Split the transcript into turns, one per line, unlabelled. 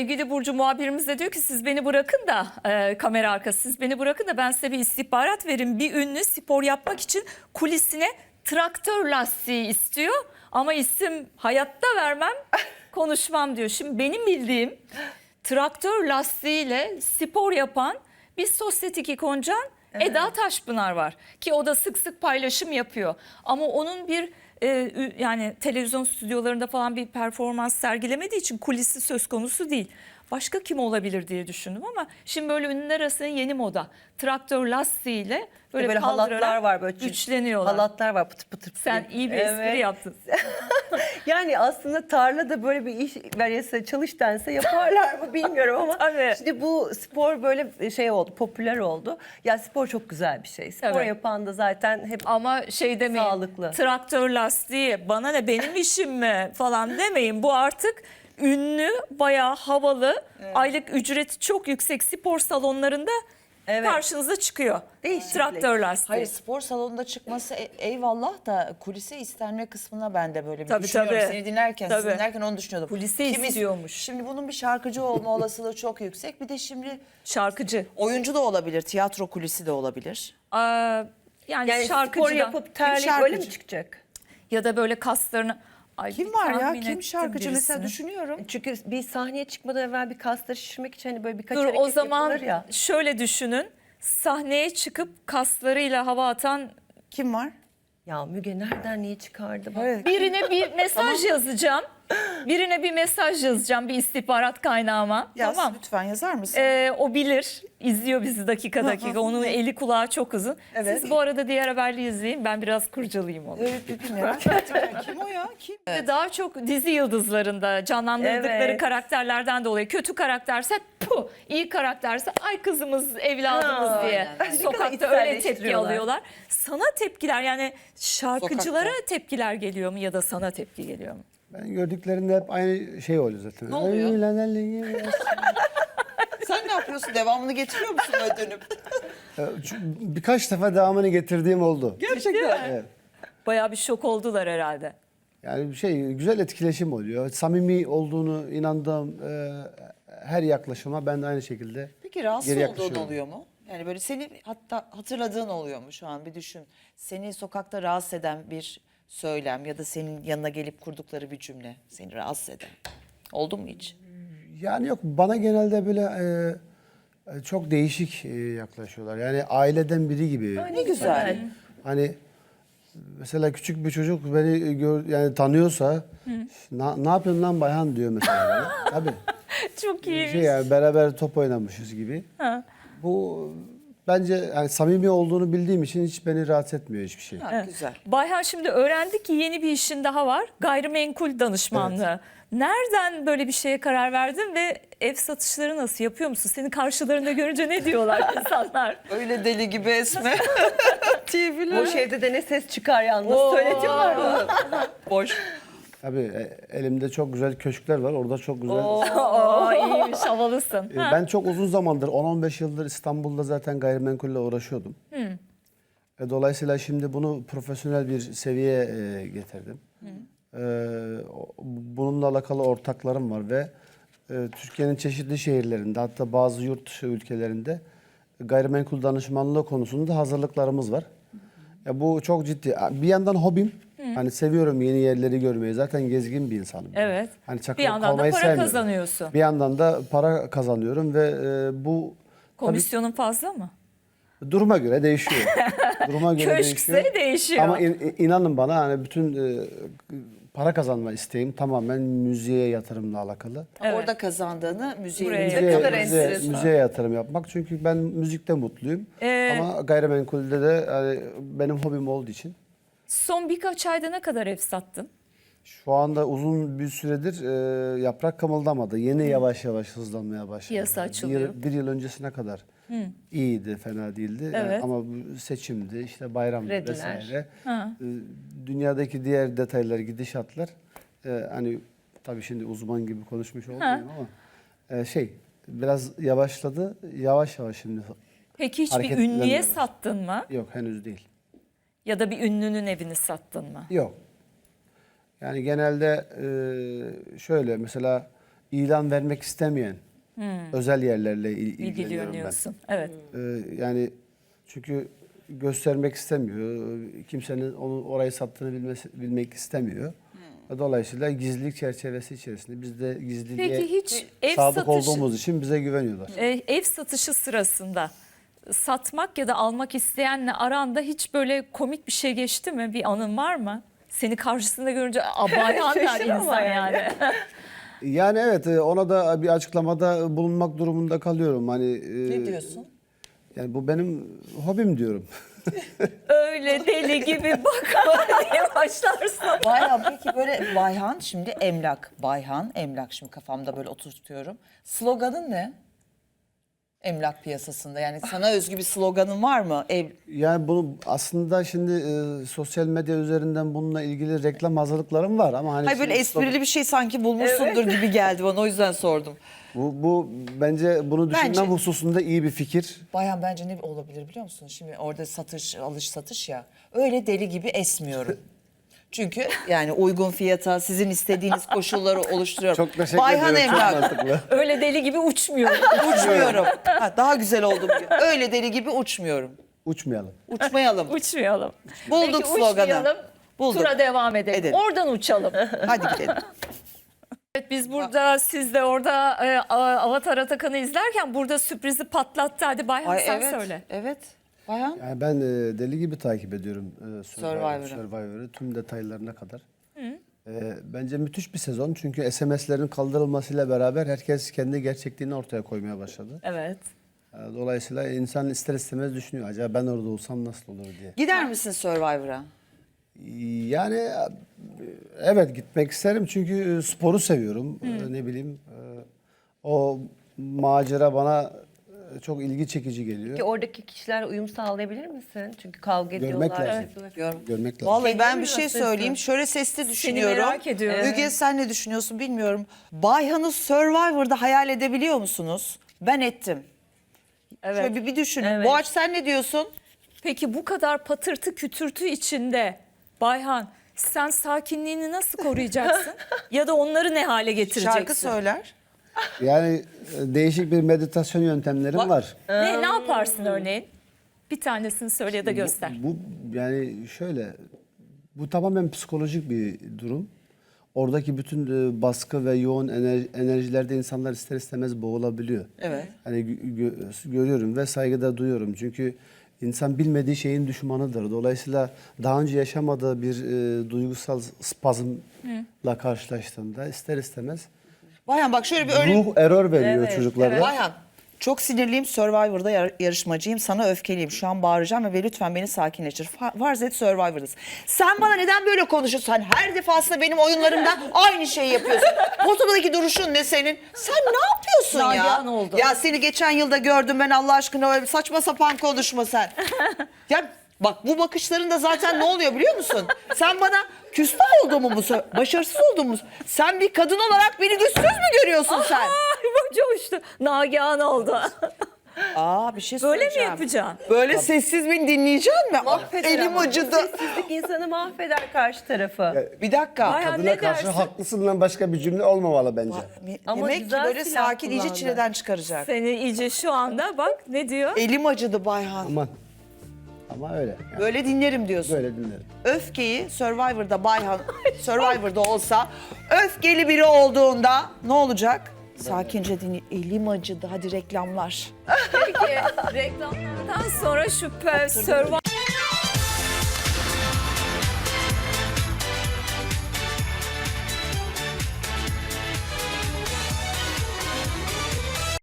sevgili Burcu muhabirimiz de diyor ki siz beni bırakın da kamera arkası siz beni bırakın da ben size bir istihbarat verin. Bir ünlü spor yapmak için kulisine traktör lastiği istiyor ama isim hayatta vermem konuşmam diyor. Şimdi benim bildiğim traktör lastiğiyle spor yapan bir sosyetik ikoncan Eda Taşpınar var ki o da sık sık paylaşım yapıyor ama onun bir yani televizyon stüdyolarında falan bir performans sergilemediği için kulisi söz konusu değil. Başka kim olabilir diye düşündüm ama şimdi böyle ünlüler arasında yeni moda. Traktör lastiğiyle böyle
halatlar var böyle
güçleniyorlar.
Halatlar var pıtır pıtır.
Sen iyi bir espri yaptın.
Yani aslında tarlada böyle bir iş verirse çalış dense yaparlar mı bilmiyorum ama
Tabii.
şimdi bu spor böyle şey oldu, popüler oldu. Ya spor çok güzel bir şey. Spor
Tabii.
yapan da zaten hep
Ama şey demeyin,
sağlıklı.
traktör lastiği bana ne benim işim mi falan demeyin. Bu artık ünlü, bayağı havalı, aylık ücreti çok yüksek spor salonlarında karşınıza çıkıyor.
Değişiklik.
Traktör lastiği.
Hayır, spor salonunda çıkması eyvallah da kulise istenme kısmına ben de böyle bir
Tabii,
düşünüyorum.
tabii.
Seni dinlerken,
Tabii.
sizi dinlerken onu düşünüyordum.
Kulise istiyormuş.
Şimdi bunun bir şarkıcı olma olasılığı çok yüksek. Bir de şimdi
Şarkıcı.
oyuncu da olabilir, tiyatro kulisi de olabilir.
yani
şarkıcıdan.
spor yapıp terleyip
şarkıcı?
öyle mi çıkacak?
Ya da böyle kaslarını... Ay,
Kim
bir
var ya?
tahmin
Kim
ettim
şarkıcı mesela
birisini.
düşünüyorum.
Çünkü bir sahneye çıkmadan evvel bir kasları şişirmek için hani böyle birkaç
Dur
hareket
o zaman
yapılır ya.
şöyle düşünün. Sahneye çıkıp kaslarıyla hava atan
Kim var?
Ya Müge nereden niye çıkardı bak.
Evet.
birine bir mesaj yazacağım. Birine bir mesaj yazacağım bir istihbarat kaynağıma.
Yaz,
Tamam.
lütfen yazar mısın?
O bilir. İzliyor bizi dakika dakika. Onun eli kulağı çok uzun.
Evet.
Siz bu arada diğer haberleri izleyin. Ben biraz kurcalayayım onu.
Evet, bir merak ettim. Kim o ya? Kim?
Daha çok dizi yıldızlarında canlandırdıkları
Evet.
karakterlerden dolayı. Kötü karakterse puh, iyi karakterse ay kızımız, evladımız
Ha,
diye.
aynen.
Sokakta öyle tepki
içselleştiriyorlar.
alıyorlar. Sana tepkiler yani şarkıcılara
Sokakta.
tepkiler geliyor mu ya da sana tepki geliyor mu?
Ben gördüklerinde hep aynı şey oluyor zaten.
Ne oluyor?
Ay, lan, lan, lan.
Sen ne yapıyorsun? Devamını getiriyor musun öyle dönüp?
Birkaç defa devamını getirdiğim oldu.
Gerçekten.
Evet.
Bayağı bir şok oldular herhalde.
Yani bir şey güzel etkileşim oluyor. Samimi olduğunu inandığım her yaklaşıma ben de aynı şekilde
Peki rahatsız
geri
olduğun
yaklaşıyorum.
oluyor mu? Yani böyle seni hatta hatırladığın oluyor mu şu an bir düşün. Seni sokakta rahatsız eden bir söylem ya da senin yanına gelip kurdukları bir cümle seni rahatsız eden. Oldu mu hiç?
Yani yok bana genelde böyle çok değişik yaklaşıyorlar. Yani aileden biri gibi.
Ne güzel.
Hani mesela küçük bir çocuk beni yani tanıyorsa ne yapıyorsun lan Bayhan diyor mesela bana. Tabii.
Çok iyi.
Şey yani beraber top oynamışız gibi. Bu bence yani samimi olduğunu bildiğim için hiç beni rahatsız etmiyor hiçbir şey.
Ha, güzel.
Bayhan şimdi öğrendik ki yeni bir işin daha var. Gayrimenkul danışmanlığı. Nereden böyle bir şeye karar verdin ve ev satışları nasıl yapıyor musun? Seni karşılarında görünce ne diyorlar insanlar?
Öyle deli gibi esme.
Boş evde de ne ses çıkar yalnız söyletiyorlar bunu.
Boş.
Tabii elimde çok güzel köşkler var. Orada çok güzel.
Oo iyiymiş havalısın. Ha.
Ben çok uzun zamandır 10-15 yıldır İstanbul'da zaten gayrimenkulle uğraşıyordum. Dolayısıyla şimdi bunu profesyonel bir seviyeye getirdim. Bununla alakalı ortaklarım var ve Türkiye'nin çeşitli şehirlerinde hatta bazı yurt dışı ülkelerinde gayrimenkul danışmanlığı konusunda hazırlıklarımız var. Bu çok ciddi. Bir yandan hobim. Hani seviyorum yeni yerleri görmeyi. Zaten gezgin bir insanım.
Evet.
Hani
Bir
çakılıp
yandan da
kalmayı
para
sevmiyorum.
kazanıyorsun.
Bir yandan da para kazanıyorum ve bu
Komisyonun fazla mı?
duruma göre değişiyor. Duruma göre
Köşkse değişiyor.
Ama inanın bana hani bütün para kazanma isteğim tamamen müziğe yatırımla alakalı.
Evet.
Orada kazandığını müziğe
Buraya.
yatırıyor.
Ne kadar enteresan.
Müziğe yatırım yapmak. Çünkü ben müzikte mutluyum. Ama gayrimenkulde de hani benim hobim olduğu için.
Son birkaç ayda ne kadar ev sattın?
Şu anda uzun bir süredir yaprak kımıldamadı. Yeni yavaş yavaş hızlanmaya başladı.
Piyasa açılıyor.
Bir yıl öncesine kadar iyiydi, fena değildi.
Evet.
Ama bu seçimdi, işte bayramdı
Krediler.
vesaire. Dünyadaki diğer detaylar, gidişatlar hani tabii şimdi uzman gibi konuşmuş olmuyorum ama biraz yavaşladı. Yavaş yavaş şimdi.
Peki hiç bir
Hareketlenmeye
ünlüye
başladı.
sattın mı?
Yok henüz değil.
Ya da bir ünlünün evini sattın mı?
Yok. Yani genelde şöyle mesela ilan vermek istemeyen özel yerlerle ilgileniyorum ben.
İlgileniyorsun. Evet.
Yani çünkü göstermek istemiyor. Kimsenin onu orayı sattığını bilmek istemiyor. Dolayısıyla gizlilik çerçevesi içerisinde biz de gizliliğe
Peki hiç ev
sadık
satışı,
olduğumuz için bize güveniyorlar.
ev satışı sırasında satmak ya da almak isteyenle aranda hiç böyle komik bir şey geçti mi? Bir anın var mı? Seni karşısında görünce Bayhan der
Şaşır ama
insan
yani.
yani.
Yani evet, ona da bir açıklamada bulunmak durumunda kalıyorum. Hani
Ne diyorsun?
yani bu benim hobim diyorum.
Öyle deli gibi bakma diye başlarsın.
Bayhan peki böyle Bayhan şimdi emlak. Bayhan emlak şimdi kafamda böyle oturtuyorum. Sloganın ne? Emlak piyasasında yani sana özgü bir sloganın var mı?
Yani bunu aslında şimdi sosyal medya üzerinden bununla ilgili reklam hazırlıklarım var ama hani
Hayır böyle
şimdi
esprili bir şey sanki bulmuşsundur gibi geldi bana o yüzden sordum.
bu bence bunu düşünmem
Bence-
hususunda iyi bir fikir.
Bayhan bence ne olabilir biliyor musun? Şimdi orada satış, alış satış ya. Öyle deli gibi esmiyorum. Çünkü yani uygun fiyata sizin istediğiniz koşulları oluşturuyorum.
Çok teşekkür
Bayhan
ederim. Çok
Emlak.
mantıklı.
Öyle deli gibi uçmuyor.
Uçmuyorum. Ha, daha güzel oldu bugün. Öyle deli gibi uçmuyorum.
Uçmayalım.
Uçmayalım.
Uçmayalım.
Bulduk
Peki
sloganı.
uçmayalım.
Bulduk.
Tura devam edelim.
Edelim.
Oradan uçalım.
Hadi gidelim.
Evet, biz burada siz de orada Avatar Atakan'ı izlerken burada sürprizi patlattı. Hadi Bayhan
Ay
sen
evet.
söyle.
Evet. Bayhan.
Yani ben deli gibi takip ediyorum
Survivor'ı.
Survivor'ı tüm detaylarına kadar. Bence müthiş bir sezon çünkü SMS'lerin kaldırılmasıyla beraber herkes kendi gerçekliğini ortaya koymaya başladı.
Evet.
Dolayısıyla insan ister istemez düşünüyor. Acaba ben orada olsam nasıl olur diye.
Gider misin Survivor'a?
Yani evet gitmek isterim çünkü sporu seviyorum. Ne bileyim o macera bana çok ilgi çekici geliyor.
Peki oradaki kişilerle uyum sağlayabilir misin? Çünkü kavga
Görmek
ediyorlar.
lazım.
yapıyorlar.
Görmek lazım.
Vallahi ben bir
Kendini
şey
nasıl
söyleyeyim. Şöyle sesli düşünüyorum.
merak ediyorum.
Müge sen ne düşünüyorsun bilmiyorum. Bayhan'ı Survivor'da hayal edebiliyor musunuz? Ben ettim.
Evet.
Şöyle bir düşünün.
Evet.
Boğaç sen ne diyorsun?
Peki bu kadar patırtı kütürtü içinde Bayhan sen sakinliğini nasıl koruyacaksın? Ya da onları ne hale getireceksin?
Şarkı söyler.
Yani değişik bir meditasyon yöntemlerim var.
Ne yaparsın örneğin? Bir tanesini söyle ya da göster.
Bu yani şöyle, bu tamamen psikolojik bir durum. Oradaki bütün baskı ve yoğun enerjilerde insanlar ister istemez boğulabiliyor.
Evet.
Hani görüyorum ve saygıda duyuyorum. Çünkü insan bilmediği şeyin düşmanıdır. Dolayısıyla daha önce yaşamadığı bir duygusal spazmla karşılaştığında ister istemez
Bayhan bak şöyle bir örnek.
ruh error veriyor çocuklara.
Bayhan çok sinirliyim Survivor'da yarışmacıyım sana öfkeliyim şu an bağıracağım ve lütfen beni sakinleştir. Farz et Survivor'dasın. Sen bana neden böyle konuşuyorsun? Sen her defasında benim oyunlarımda aynı şeyi yapıyorsun. Ortadaki duruşun ne senin? Sen ne yapıyorsun ya?
Nagihan oldu.
Ya seni geçen yılda gördüm ben Allah aşkına öyle saçma sapan konuşma sen. Ya bak bu bakışların da zaten ne oluyor biliyor musun? Sen bana küstah olduğumu mu başarısız olduğumu mu? Sen bir kadın olarak beni güçsüz mü görüyorsun sen?
Ay bu coştu. Nagihan oldu.
Aa bir şey
Böyle mi
söyleyeceğim.
yapacaksın?
Böyle sessiz beni dinleyeceksin mi? Ah,
Mahveder
elim
ama.
acıdı.
Sessizlik insanı mahveder karşı tarafı.
Bir dakika.
Bayağı-
Kadına
ne
karşı
dersin?
haklısından başka bir cümle olmamalı bence.
Ama
Demek ki
güzel
böyle
silah
sakin iyice
kullandı.
çileden çıkaracak.
Seni iyice şu anda bak ne diyor?
Elim acıdı Bayhan.
Aman. Ama öyle. Yani
Böyle dinlerim diyorsun.
böyle dinlerim.
Öfkeyi Survivor'da Bayhan Survivor'da olsa öfkeli biri olduğunda ne olacak? Sakince dinle. Elim acıdı. Hadi reklamlar.
Peki reklamlardan sonra şu Survivor